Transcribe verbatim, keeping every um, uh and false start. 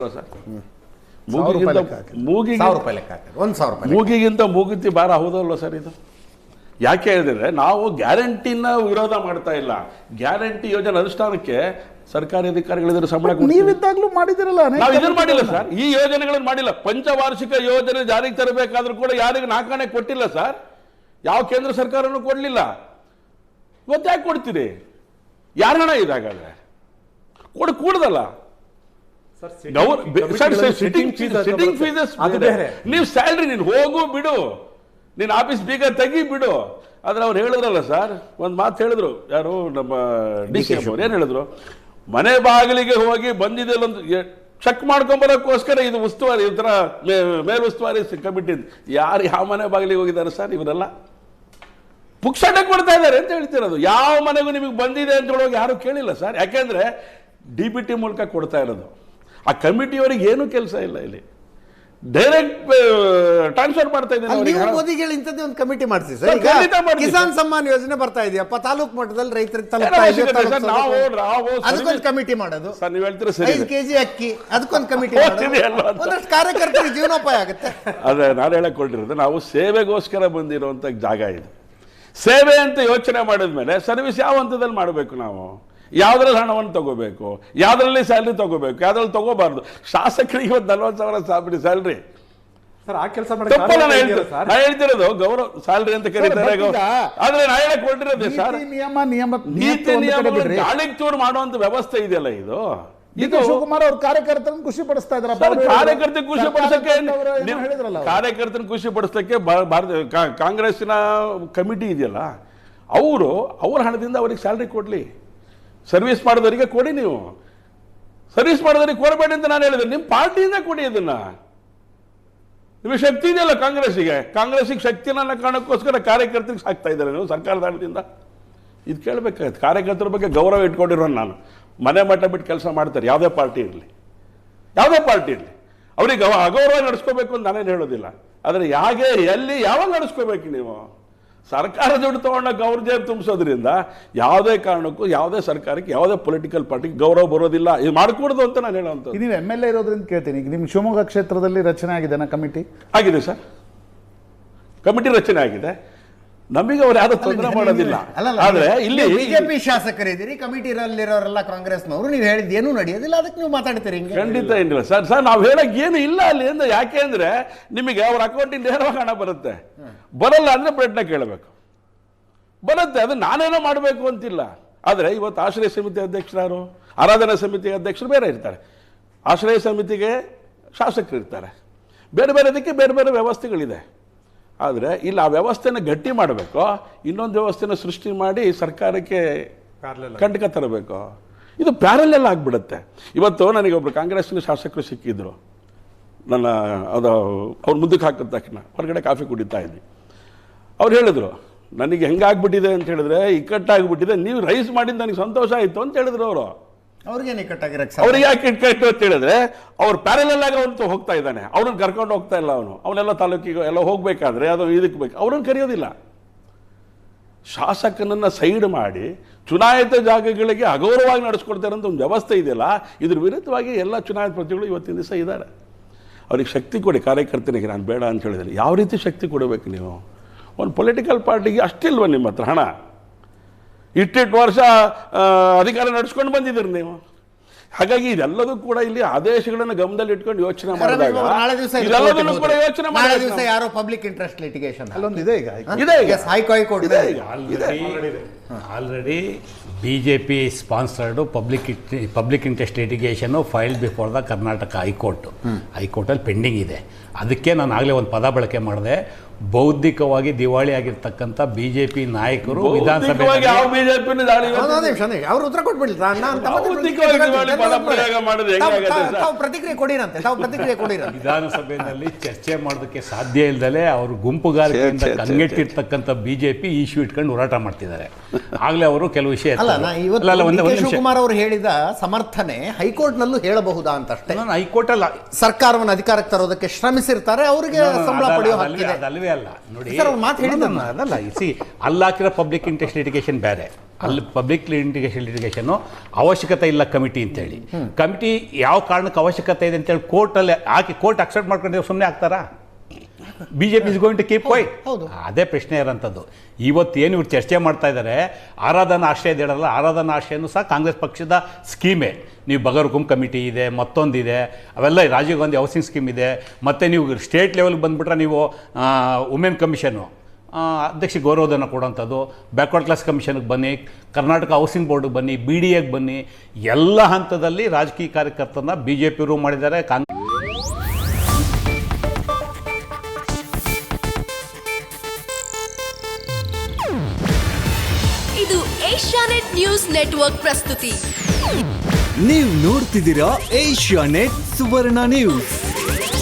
ಮೂಗಿಗಿಂತ ಮೂಗುತಿ ಭಾರ ಹೌದಲ್ವ ಸರ್ ಇದು? ಯಾಕೆ ಹೇಳಿದ್ರೆ ನಾವು ಗ್ಯಾರಂಟಿನ ವಿರೋಧ ಮಾಡ್ತಾ ಇಲ್ಲ, ಗ್ಯಾರಂಟಿ ಯೋಜನೆ ಅನುಷ್ಠಾನಕ್ಕೆ ಸರ್ಕಾರಿ ಅಧಿಕಾರಿಗಳಿದ್ರೆ ಸಂಬಳ ನೀವಿದ್ದಾಗಲೂ ಮಾಡಿದಿರಲ್ಲ. ನಾವು ಇದನ್ನು ಮಾಡಿಲ್ಲ ಸರ್, ಈ ಯೋಜನೆಗಳನ್ನು ಮಾಡಿಲ್ಲ. ಪಂಚವಾರ್ಷಿಕ ಯೋಜನೆ ಜಾರಿಗೆ ತರಬೇಕಾದ್ರೂ ಕೂಡ ಯಾರಿಗೂ ನಾಲ್ಕಾಣೆ ಕೊಟ್ಟಿಲ್ಲ ಸರ್, ಯಾವ ಕೇಂದ್ರ ಸರ್ಕಾರನೂ ಕೊಡಲಿಲ್ಲ. ಇವತ್ತು ಯಾಕೆ ಕೊಡ್ತೀರಿ? ಯಾರ ಹಣ ಇದಾಗಾದ್ರೆ ಕೊಡು ಕೂಡದಲ್ಲ. ನೀವು ಸ್ಯಾಲ್ರಿ ನೀನು ಹೋಗು ಬಿಡು, ನೀನು ಆಫೀಸ್ ಬೀಗ ತೆಗಿ ಬಿಡು. ಆದ್ರೆ ಅವ್ರು ಹೇಳಿದ್ರಲ್ಲ ಸರ್, ಒಂದು ಮಾತು ಹೇಳಿದ್ರು, ಯಾರು ನಮ್ಮ ಡಿ ಸಿ ಎಂ ಅವ್ರು ಏನು ಹೇಳಿದ್ರು, ಮನೆ ಬಾಗಿಲಿಗೆ ಹೋಗಿ ಬಂದಿದೆ ಚೆಕ್ ಮಾಡ್ಕೊಂಬರೋಕ್ಕೋಸ್ಕರ ಇದು ಉಸ್ತುವಾರಿ, ಈ ಥರ ಮೇಲ್ ಉಸ್ತುವಾರಿ ಕಮಿಟಿ. ಯಾರು ಯಾವ ಮನೆ ಬಾಗಿಲಿಗೆ ಹೋಗಿದ್ದಾರೆ ಸರ್? ಇವರೆಲ್ಲ ಪುಕ್ಷಟೆ ಕೊಡ್ತಾ ಇದ್ದಾರೆ ಅಂತ ಹೇಳ್ತಿರೋದು. ಯಾವ ಮನೆಗೂ ನಿಮಗೆ ಬಂದಿದೆ ಅಂತ ಹೇಳುವಾಗ ಯಾರು ಕೇಳಿಲ್ಲ ಸರ್. ಯಾಕೆಂದ್ರೆ ಡಿ ಬಿ ಟಿ ಮೂಲಕ ಕೊಡ್ತಾ ಇರೋದು. ಆ ಕಮಿಟಿಯವರಿಗೆ ಏನೂ ಕೆಲಸ ಇಲ್ಲ, ಇಲ್ಲಿ ಡೈರೆಕ್ಟ್ ಟ್ರಾನ್ಸ್ಫರ್ ಮಾಡ್ತಾ ಇದ್ದೀನಿ. ಮೋದಿಗಳು ಇಂಥದ್ದೇ ಒಂದು ಕಮಿಟಿ ಮಾಡಿಸಿ ಸರ್. ಕಿಸಾನ್ ಸಮ್ಮಾನ್ ಯೋಜನೆ ಬರ್ತಾ ಇದೆಯಪ್ಪ, ತಾಲೂಕು ಮಟ್ಟದಲ್ಲಿ ರೈತರಿಗೆ ಅದಕ್ಕೊಂದು ಕಮಿಟಿ ಮಾಡೋದು. ಸರ್ ನೀವು ಹೇಳ್ತೀರಾ ಸರಿ, ಐದು ಕೆಜಿ ಅಕ್ಕಿ ಅದಕ್ಕೊಂದು ಕಮಿಟಿ ಒಂದಷ್ಟು ಕಾರ್ಯಕರ್ತರಿಗೆ ಜೀವನೋಪಾಯ ಆಗುತ್ತೆ. ಅದೇ ನಾನು ಹೇಳಕ್ ಕೊಟ್ಟಿರೋದು, ನಾವು ಸೇವೆಗೋಸ್ಕರ ಬಂದಿರುವಂತ ಜಾಗ ಇದು. ಸೇವೆ ಅಂತ ಯೋಚನೆ ಮಾಡಿದ್ಮೇಲೆ ಸರ್ವಿಸ್ ಯಾವ ಹಂತದಲ್ಲಿ ಮಾಡಬೇಕು, ನಾವು ಯಾವ್ದ್ರಲ್ಲಿ ಹಣವನ್ನು ತಗೋಬೇಕು, ಯಾವ್ದ್ರಲ್ಲಿ ಸ್ಯಾಲ್ರಿ ತಗೋಬೇಕು, ಯಾವ್ದ್ರಲ್ಲಿ ತಗೋಬಾರ್ದು. ಶಾಸಕರಿಗೆ ಇವತ್ತು ನಲ್ವತ್ತು ಸಾವಿರ ಸಾವಿರ ಸ್ಯಾಲ್ರಿ ಸರ್, ಆ ಕೆಲಸ ನಾ ಹೇಳ್ತಿರೋದು ಗೌರವ ಸ್ಯಾಲ್ರಿ ಅಂತ ಕರೀತಾರೆ. ಆದ್ರೆ ನಾ ಹೇಳಕ್ ಕೊಟ್ಟಿರೋದು ಸರ್, ನಿಯಮ ನಿಯಮ ನೀತಿ ನಿಯಮ ಗಾಳಿಗೆ ಚೂರು ಮಾಡುವಂತ ವ್ಯವಸ್ಥೆ ಇದೆಯಲ್ಲ ಇದು. ಇದು ಶಿವಕುಮಾರ್ ಅವ್ರ ಕಾರ್ಯಕರ್ತರನ್ನು ಖುಷಿ ಪಡಿಸ್ತಾ ಇದ್ದಾರೆ. ಕಾರ್ಯಕರ್ತನ ಖುಷಿ ಪಡಿಸಕ್ಕೆ ಕಾರ್ಯಕರ್ತನ ಖುಷಿ ಪಡಿಸಕ್ಕೆ ಭಾರತ ಕಾಂಗ್ರೆಸ್ಸಿನ ಕಮಿಟಿ ಇದೆಯಲ್ಲ, ಅವರು ಅವ್ರ ಹಣದಿಂದ ಅವ್ರಿಗೆ ಸ್ಯಾಲ್ರಿ ಕೊಡ್ಲಿ. ಸರ್ವಿಸ್ ಮಾಡಿದವರಿಗೆ ಕೊಡಿ, ನೀವು ಸರ್ವಿಸ್ ಮಾಡಿದವರಿಗೆ ಕೊಡಬೇಡಿ ಅಂತ ನಾನು ಹೇಳಿದೆ. ನಿಮ್ಮ ಪಾರ್ಟಿಯಿಂದ ಕೊಡಿ ಅದನ್ನ. ನಿಮಗೆ ಶಕ್ತಿ ಇದೆಯಲ್ಲ ಕಾಂಗ್ರೆಸ್ಸಿಗೆ, ಕಾಂಗ್ರೆಸ್ಸಿಗೆ ಶಕ್ತಿನ ಕಾರಣಕ್ಕೋಸ್ಕರ ಕಾರ್ಯಕರ್ತರಿಗೆ ಸಾಕ್ತಾ ಇದ್ದಾರೆ ನೀವು ಸರ್ಕಾರದ ಹಣದಿಂದ. ಇದು ಕೇಳಬೇಕಾಗುತ್ತೆ. ಕಾರ್ಯಕರ್ತರ ಬಗ್ಗೆ ಗೌರವ ಇಟ್ಕೊಂಡಿರೋ ನಾನು ಮನೆ ಮಟ್ಟ ಬಿಟ್ಟು ಕೆಲಸ ಮಾಡ್ತಾರೆ, ಯಾವುದೇ ಪಾರ್ಟಿ ಇರಲಿ, ಯಾವುದೇ ಪಾರ್ಟಿ ಇರಲಿ. ಅವ್ರಿಗೆ ಅಗೌರವ ನಡೆಸ್ಕೋಬೇಕು ಅಂತ ನಾನೇನು ಹೇಳೋದಿಲ್ಲ. ಆದರೆ ಯಾಕೆ ಎಲ್ಲಿ ಯಾವಾಗ ನಡೆಸ್ಕೋಬೇಕು? ನೀವು ಸರ್ಕಾರ ದುಡ್ಡು ತಗೊಂಡಾಗ ಅವ್ರ ಜೇಬು ತುಂಬಿಸೋದ್ರಿಂದ ಯಾವುದೇ ಕಾರಣಕ್ಕೂ ಯಾವುದೇ ಸರ್ಕಾರಕ್ಕೆ ಯಾವುದೇ ಪೊಲಿಟಿಕಲ್ ಪಾರ್ಟಿಗೆ ಗೌರವ ಬರೋದಿಲ್ಲ. ಇದು ಮಾಡ್ಕೊಡ್ದು ಅಂತ ನಾನು ಹೇಳೋಂಥ. ನೀವು ಎಮ್ ಎಲ್ ಎ ಇರೋದ್ರಿಂದ ಕೇಳ್ತೀನಿ, ಈಗ ನಿಮ್ಮ ಶಿವಮೊಗ್ಗ ಕ್ಷೇತ್ರದಲ್ಲಿ ರಚನೆ ಆಗಿದೆ ಕಮಿಟಿ? ಆಗಿದೆ ಸರ್, ಕಮಿಟಿ ರಚನೆ ಆಗಿದೆ. ನಮಗೆ ಅವ್ರು ಯಾರು ತೊಂದರೆ ಮಾಡೋದಿಲ್ಲ. ಆದ್ರೆ ಇಲ್ಲಿ ಬಿಜೆಪಿ ಶಾಸಕರಿದ್ದೀರಿ, ಕಮಿಟಿರಲ್ಲಿರೋರೆಲ್ಲ ಕಾಂಗ್ರೆಸ್ನವರು, ನೀವು ಹೇಳಿದ ಏನೂ ನಡೆಯೋದಿಲ್ಲ, ಅದಕ್ಕೆ ನೀವು ಮಾತಾಡ್ತೀರಿ. ಖಂಡಿತ ಏನಿಲ್ಲ ಸರ್. ಸರ್ ನಾವು ಹೇಳಕ್ ಏನು ಇಲ್ಲ ಅಲ್ಲಿ ಅಂದ್ರೆ, ಯಾಕೆ ಅಂದ್ರೆ ನಿಮಗೆ ಅವ್ರ ಅಕೌಂಟಿಂದ ನೇರವಾಗಿ ಹಣ ಬರುತ್ತೆ. ಬರಲ್ಲ ಅಂದ್ರೆ ಪ್ರಯತ್ನ ಕೇಳಬೇಕು, ಬರುತ್ತೆ. ಅದು ನಾನೇನೋ ಮಾಡಬೇಕು ಅಂತಿಲ್ಲ. ಆದ್ರೆ ಇವತ್ತು ಆಶ್ರಯ ಸಮಿತಿ ಅಧ್ಯಕ್ಷರು, ಆರಾಧನಾ ಸಮಿತಿ ಅಧ್ಯಕ್ಷರು ಬೇರೆ ಇರ್ತಾರೆ, ಆಶ್ರಯ ಸಮಿತಿಗೆ ಶಾಸಕರು ಇರ್ತಾರೆ, ಬೇರೆ ಬೇರೆ ಅದಕ್ಕೆ ಬೇರೆ ಬೇರೆ ವ್ಯವಸ್ಥೆಗಳಿದೆ. ಆದರೆ ಇಲ್ಲಿ ಆ ವ್ಯವಸ್ಥೆನ ಗಟ್ಟಿ ಮಾಡಬೇಕು, ಇನ್ನೊಂದು ವ್ಯವಸ್ಥೆನ ಸೃಷ್ಟಿ ಮಾಡಿ ಸರ್ಕಾರಕ್ಕೆ ಕಂಟಕ ತರಬೇಕು. ಇದು ಪ್ಯಾರಲೆಲ್ಲ ಆಗಿಬಿಡುತ್ತೆ. ಇವತ್ತು ನನಗೆ ಒಬ್ಬರು ಕಾಂಗ್ರೆಸ್ನ ಶಾಸಕರು ಸಿಕ್ಕಿದ್ರು, ನನ್ನ ಅದು ಅವ್ರು ಮುಂದಕ್ಕೆ ಹಾಕಿದ ತಕ್ಷಣ ಹೊರಗಡೆ ಕಾಫಿ ಕುಡಿತಾ ಇದ್ವಿ. ಅವ್ರು ಹೇಳಿದ್ರು, ನನಗೆ ಹೆಂಗಾಗ್ಬಿಟ್ಟಿದೆ ಅಂತ ಹೇಳಿದ್ರೆ ಇಕ್ಕಟ್ಟಾಗ್ಬಿಟ್ಟಿದೆ, ನೀವು ರೈಸ್ ಮಾಡಿದ್ದು ನನಗೆ ಸಂತೋಷ ಆಯಿತು ಅಂತ ಹೇಳಿದ್ರು ಅವರು. ಅವ್ರಿಗೆ ಇಕ್ಕಟ್ಟಾಗಿರಕ್ಕೆ ಅವ್ರಿಗೆ ಯಾಕೆ ಇಟ್ಕಟ್ಟು ಅಂತ ಹೇಳಿದ್ರೆ, ಅವ್ರು ಪ್ಯಾರಲೆಲ್ ಆಗಿ ಅವನು ಹೋಗ್ತಾ ಇದ್ದಾನೆ, ಅವ್ರನ್ನ ಕರ್ಕೊಂಡು ಹೋಗ್ತಾ ಇಲ್ಲ. ಅವನು ಅವನೆಲ್ಲ ತಾಲೂಕಿಗೆ ಎಲ್ಲ ಹೋಗ್ಬೇಕಾದ್ರೆ ಅದು ಇದಕ್ಕೆ ಬೇಕು, ಅವ್ರನ್ನ ಕರೆಯೋದಿಲ್ಲ. ಶಾಸಕನನ್ನ ಸೈಡ್ ಮಾಡಿ ಚುನಾಯಿತ ಜಾಗಗಳಿಗೆ ಅಗೌರವವಾಗಿ ನಡೆಸ್ಕೊಡ್ತಾರೆ ಅಂತ ಒಂದು ವ್ಯವಸ್ಥೆ ಇದೆಯಲ್ಲ, ಇದ್ರ ವಿರುದ್ಧವಾಗಿ ಎಲ್ಲ ಚುನಾಯಿತ ಪ್ರತಿಗಳು ಇವತ್ತಿನ ದಿವಸ ಇದ್ದಾರೆ. ಅವ್ರಿಗೆ ಶಕ್ತಿ ಕೊಡಿ ಕಾರ್ಯಕರ್ತನಿಗೆ. ನಾನು ಬೇಡ ಅಂತ ಹೇಳಿದ್ರೆ ಯಾವ ರೀತಿ ಶಕ್ತಿ ಕೊಡಬೇಕು ನೀವು? ಒಂದು ಪೊಲಿಟಿಕಲ್ ಪಾರ್ಟಿಗೆ ಅಷ್ಟಿಲ್ವ ನಿಮ್ಮ ಹತ್ರ ಹಣ? ಇಟ್ಟಿಟ್ಟು ವರ್ಷ ಅಧಿಕಾರ ನಡೆಸ್ಕೊಂಡು ಬಂದಿದ್ದೀರಿ ನೀವು. ಹಾಗಾಗಿ ಇದೆಲ್ಲದೂ ಕೂಡ ಇಲ್ಲಿ ಆದೇಶಗಳನ್ನು ಗಮನದಲ್ಲಿ ಇಟ್ಕೊಂಡು ಯೋಚನೆ ಮಾಡಿದಾಗ ಇದೆಲ್ಲದೂ ಕೂಡ ಯೋಚನೆ ಮಾಡಿ. ಯಾರೋ ಪಬ್ಲಿಕ್ ಇಂಟ್ರೆಸ್ಟ್ ಲಿಟಿಗೇಷನ್ ಅಲ್ಲೊಂದು ಇದೆ, ಈಗ ಇದೆ ಈಗ ಹೈಕೋರ್ಟ್ ಇದೆ already BJP sponsored public public interest litigation file before the Karnataka high court. ಹೈಕೋರ್ಟಲ್ಲಿ ಪೆಂಡಿಂಗ್ ಇದೆ. ಅದಕ್ಕೆ ನಾನು ಆಗಲೇ ಒಂದು ಪದ ಬಳಕೆ ಮಾಡಿದೆ, ಬೌದ್ಧಿಕವಾಗಿ ದಿವಾಳಿ ಆಗಿರ್ತಕ್ಕಂಥ ಬಿಜೆಪಿ ನಾಯಕರು ವಿಧಾನಸಭೆ ಅವ್ರು ಉತ್ತರ ಕೊಟ್ಬಿಡ್ಲಿ. ಪ್ರತಿಕ್ರಿಯೆ ಕೊಡಿರಂತೆ, ತಾವು ಪ್ರತಿಕ್ರಿಯೆ ಕೊಡಿರಂತೆ. ವಿಧಾನಸಭೆಯಲ್ಲಿ ಚರ್ಚೆ ಮಾಡೋದಕ್ಕೆ ಸಾಧ್ಯ ಇಲ್ಲದಲೇ ಅವರು ಗುಂಪುಗಾರಿಕೆಯಿಂದ ಕಂಗೆಟ್ಟಿರ್ತಕ್ಕಂಥ ಬಿಜೆಪಿ ಇಶ್ಯೂ ಇಟ್ಕೊಂಡು ಹೋರಾಟ ಮಾಡ್ತಿದ್ದಾರೆ. ಆಗ್ಲೇ ಅವರು ಕೆಲವು ವಿಷಯ ಶಿವಕುಮಾರ್ ಅವರು ಹೇಳಿದ ಸಮರ್ಥನೆ ಹೈಕೋರ್ಟ್ ನಲ್ಲೂ ಹೇಳಬಹುದಾ ಅಂತ ಅಷ್ಟೇ. ಹೈಕೋರ್ಟ್ ಅಲ್ಲ, ಸರ್ಕಾರವನ್ನು ಅಧಿಕಾರಕ್ಕೆ ತರೋದಕ್ಕೆ ಶ್ರಮಿಸಿರ್ತಾರೆ, ಅವರಿಗೆ ಸಂಬಳ ಪಡೆಯೋ ಹಕ್ಕಿದೆ. ಅಲ್ವೇ ಅಲ್ಲ ನೋಡಿ, ಅದಲ್ಲ ಸಿ ಅಲ್ಲಿ ಹಾಕಿರೋ ಪಬ್ಲಿಕ್ ಇಂಟ್ರೆಸ್ಟ್ ಲಿಟಿಗೇಷನ್ ಬೇರೆ, ಅಲ್ಲಿ ಪಬ್ಲಿಕ್ ಲಿಟಿಗೇಷನ್ ಲಿಟಿಗೇಷನ್ನು ಅವಶ್ಯಕತೆ ಇಲ್ಲ ಕಮಿಟಿ ಅಂತೇಳಿ. ಕಮಿಟಿ ಯಾವ ಕಾರಣಕ್ಕೆ ಅವಶ್ಯಕತೆ ಇದೆ ಅಂತೇಳಿ ಕೋರ್ಟಲ್ಲಿ ಹಾಕಿ ಕೋರ್ಟ್ ಅಕ್ಸೆಪ್ಟ್ ಮಾಡ್ಕೊಂಡು ಸುಮ್ಮನೆ ಆಗ್ತಾರಾ? B J P is going to keep why? ಅದೇ ಪ್ರಶ್ನೆ ಇರೋಂಥದ್ದು. ಇವತ್ತೇನು ಇವ್ರು ಚರ್ಚೆ ಮಾಡ್ತಾ ಇದ್ದಾರೆ, ಆರಾಧನಾ ಆಶ್ರಯ ಇದ್ದಾರಲ್ಲ, ಆರಾಧನಾ ಆಶ್ರಯನೂ ಸಹ ಕಾಂಗ್ರೆಸ್ ಪಕ್ಷದ ಸ್ಕೀಮೇ. ನೀವು ಬಗರ್ಹುಕುಂ ಕಮಿಟಿ ಇದೆ, ಮತ್ತೊಂದಿದೆ, ಅವೆಲ್ಲ ರಾಜೀವ್ ಗಾಂಧಿ ಹೌಸಿಂಗ್ ಸ್ಕೀಮ್ ಇದೆ. ಮತ್ತು ನೀವು ಸ್ಟೇಟ್ ಲೆವೆಲ್ಗೆ ಬಂದುಬಿಟ್ರೆ ನೀವು ವುಮೆನ್ ಕಮಿಷನು ಅಧ್ಯಕ್ಷ ಗೌರವಧನ ಕೊಡೋಂಥದ್ದು, ಬ್ಯಾಕ್ವರ್ಡ್ ಕ್ಲಾಸ್ ಕಮಿಷನ್ಗೆ ಬನ್ನಿ, ಕರ್ನಾಟಕ ಹೌಸಿಂಗ್ ಬೋರ್ಡ್ಗೆ ಬನ್ನಿ, ಬಿ ಡಿ ಎಗೆ ಬನ್ನಿ, ಎಲ್ಲ ಹಂತದಲ್ಲಿ ರಾಜಕೀಯ ಕಾರ್ಯಕರ್ತರನ್ನ ಬಿ ಜೆ ಪಿರು ಮಾಡಿದ್ದಾರೆ. ಕಾಂಗ್ರೆಸ್ ಇದು ಏಷ್ಯಾನೆಟ್ ನ್ಯೂಸ್ ನೆಟ್ವರ್ಕ್ ಪ್ರಸ್ತುತಿ. ನೀವು ನೋಡ್ತಿದ್ದೀರಾ ಏಷ್ಯಾನೆಟ್ ಸುವರ್ಣ ನ್ಯೂಸ್.